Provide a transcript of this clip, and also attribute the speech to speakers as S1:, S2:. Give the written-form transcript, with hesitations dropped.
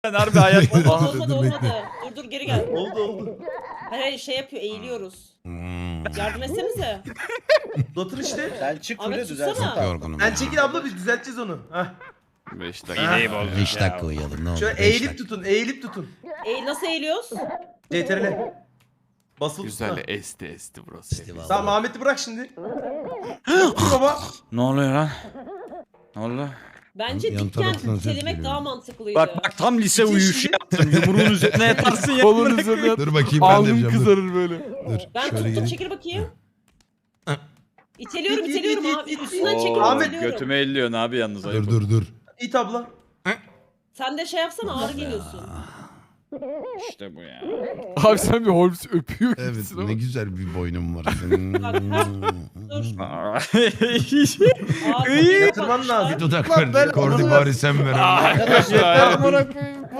S1: Ben harbi hayat
S2: Olmadı
S3: Dur,
S2: olmadı.
S3: bekle.
S2: Dur geri gel.
S4: Oldu.
S2: Hayır şey yapıyor eğiliyoruz.
S3: Hmm.
S2: Yardım etsenize.
S4: Otur işte.
S5: Sen çık
S2: Ahmet
S5: kule düzelsin.
S2: tutsana.
S3: Yorgunum
S4: Sen
S3: ya.
S4: çekil abla biz düzelteceğiz onu. Heh.
S1: 5 dakika. İğneyi bozduk
S3: 5
S1: ya.
S3: dakika uyuyalım ne olur.
S4: Şöyle
S3: 5
S4: eğilip
S3: dakika.
S4: tutun, eğilip tutun.
S2: Nasıl eğiliyoruz?
S4: CTRL. Basılı
S1: Güzel
S4: tutun.
S1: esti burası.
S3: Festival.
S4: Tamam Ahmet'i bırak şimdi. Dur baba.
S1: Ne oluyor lan? Ne oldu?
S2: Bence
S3: Yan
S2: dikken
S3: taraftan ses
S2: itelemek
S3: geliyor.
S2: daha mantıklıydı.
S1: Bak tam lise uyuşu yaptım. Yumruğun üzerine yatarsın ya.
S6: Kolun üzerine yat.
S3: Dur bakayım ben de
S6: Alnın
S3: yapacağım. Dur.
S6: kızarır böyle.
S3: Dur.
S2: Ben
S3: Şöyle
S2: tuttum
S3: geleyim.
S2: çekil bakayım.
S3: Heh.
S2: İteliyorum
S4: İt, it,
S2: iteliyorum
S4: it,
S2: abi.
S4: it, it.
S2: Üstünden
S1: Oo,
S2: çekiyorum
S4: Ahmet,
S2: iteliyorum.
S1: götüme elliyorsun abi yalnız ayıp.
S3: Dur.
S4: İt abla.
S2: Sen de şey yapsana ağır geliyorsun.
S1: İşte bu ya.
S6: Abi sen bir Holmes öpüyor
S3: Evet
S6: gibisin
S3: ne
S6: ama.
S3: güzel bir boynum var senin.
S2: Bak, Dur. Ağır
S4: Yatırman lazım.
S3: Bir dudak ver. Kordi bari sen ver.
S5: Arkadaşlar
S1: Ya.
S5: amına koyayım.